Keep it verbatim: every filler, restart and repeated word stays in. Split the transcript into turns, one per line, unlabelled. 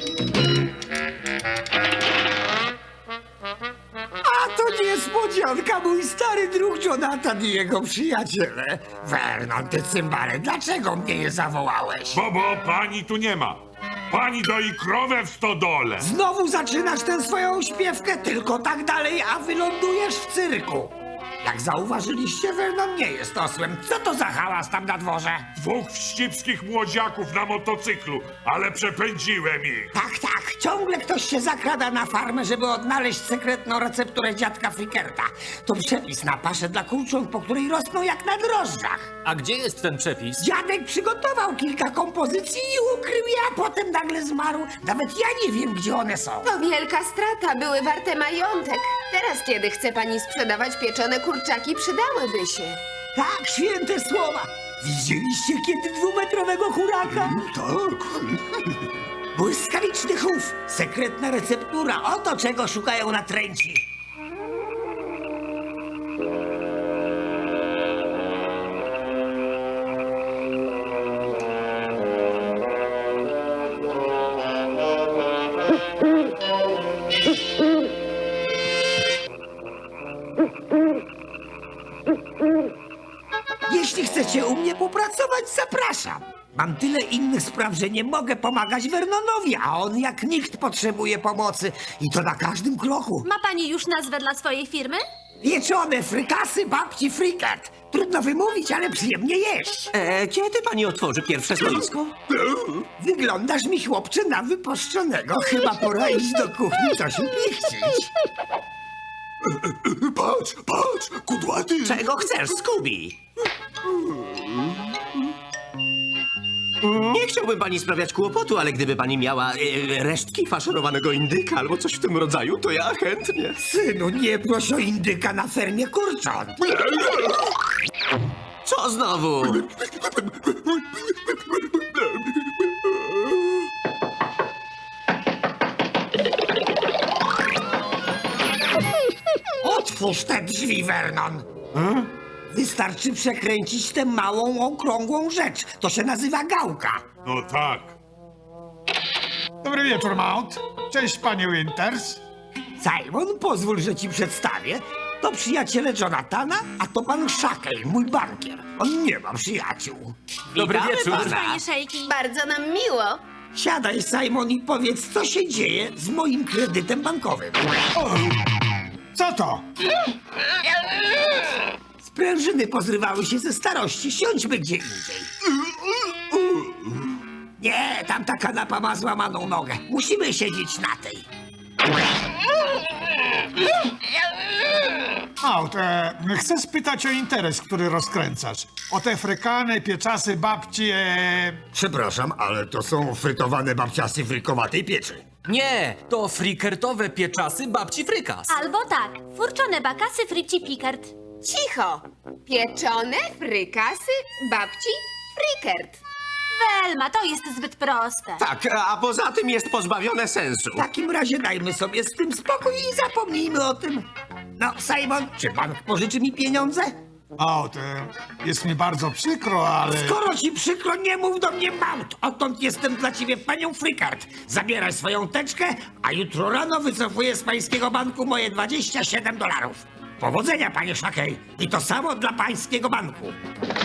A to niespodzianka, mój stary druk Jonathan i jego przyjaciele. Vernon, ty cymbale, dlaczego mnie nie zawołałeś?
Bo, bo pani tu nie ma. Pani doi krowę w stodole.
Znowu zaczynasz tę swoją śpiewkę, tylko tak dalej, a wylądujesz w cyrku. Jak zauważyliście, Vernon nie jest osłem. Co to za hałas tam na dworze?
Dwóch wścibskich młodziaków na motocyklu, ale przepędziłem ich.
Tak, tak, ciągle ktoś się zakrada na farmę, żeby odnaleźć sekretną recepturę dziadka Frickerta. To przepis na paszę dla kurcząt, po której rosną jak na drożdżach.
A gdzie jest ten przepis?
Dziadek przygotował kilka kompozycji i ukrył je, a potem nagle zmarł. Nawet ja nie wiem, gdzie one są.
To wielka strata, były warte majątek. Teraz, kiedy chce pani sprzedawać pieczone kurczaki, przydałyby się.
Tak, święte słowa. Widzieliście kiedy dwumetrowego huraka? Tak. Błyskawiczny chów, sekretna receptura, oto czego szukają natręci. Jeśli chcecie u mnie popracować, zapraszam. Mam tyle innych spraw, że nie mogę pomagać Vernonowi, a on jak nikt potrzebuje pomocy. I to na każdym kroku.
Ma pani już nazwę dla swojej firmy?
Pieczone frykasy babci Frickert. Trudno wymówić, ale przyjemnie jeść.
E, kiedy pani otworzy pierwsze stoisko?
Wyglądasz mi, chłopcze, na wypuszczonego. Chyba pora iść do kuchni coś upichcić.
Patrz, patrz, kudłaty!
Czego chcesz, Scooby? Nie chciałbym pani sprawiać kłopotu, ale gdyby pani miała e, resztki faszerowanego indyka albo coś w tym rodzaju, to ja chętnie.
Synu, nie proś o indyka na fermie kurcząt.
Co znowu?
Otwórz te drzwi, Vernon. Wystarczy przekręcić tę małą, okrągłą rzecz. To się nazywa gałka.
No tak.
Dobry wieczór, Mount. Cześć, panie Winters.
Simon, pozwól, że ci przedstawię. To przyjaciele Jonathana, a to pan Shackle, mój bankier. On nie ma przyjaciół.
Dobry
Witamy
wieczór.
pana.
Panie Szejki.
Bardzo nam miło.
Siadaj, Simon, i powiedz, co się dzieje z moim kredytem bankowym.
Co to?
Sprężyny pozrywały się ze starości. Siądźmy gdzie indziej. Nie, tamta kanapa ma złamaną nogę. Musimy siedzieć na tej.
Mount, e, chcę spytać o interes, który rozkręcasz. O te frykane, pieczasy, babci, e...
Przepraszam, ale to są frytowane babciasy frykowatej pieczy.
Nie, to frikertowe pieczasy babci Frykas.
Albo tak, furczone bakasy Fryci Pickard.
Cicho! Pieczone frykasy babci Frickert.
Welma, to jest zbyt proste.
Tak, a poza tym jest pozbawione sensu.
W takim razie dajmy sobie z tym spokój i zapomnijmy o tym. No, Simon, czy bank pożyczy mi pieniądze?
Mount, e, jest mi bardzo przykro, ale...
Skoro ci przykro, nie mów do mnie Mount. Odtąd jestem dla ciebie panią Frickert. Zabieraj swoją teczkę, a jutro rano wycofuję z pańskiego banku moje dwadzieścia siedem dolarów. Powodzenia, panie Shackle. I to samo dla pańskiego banku.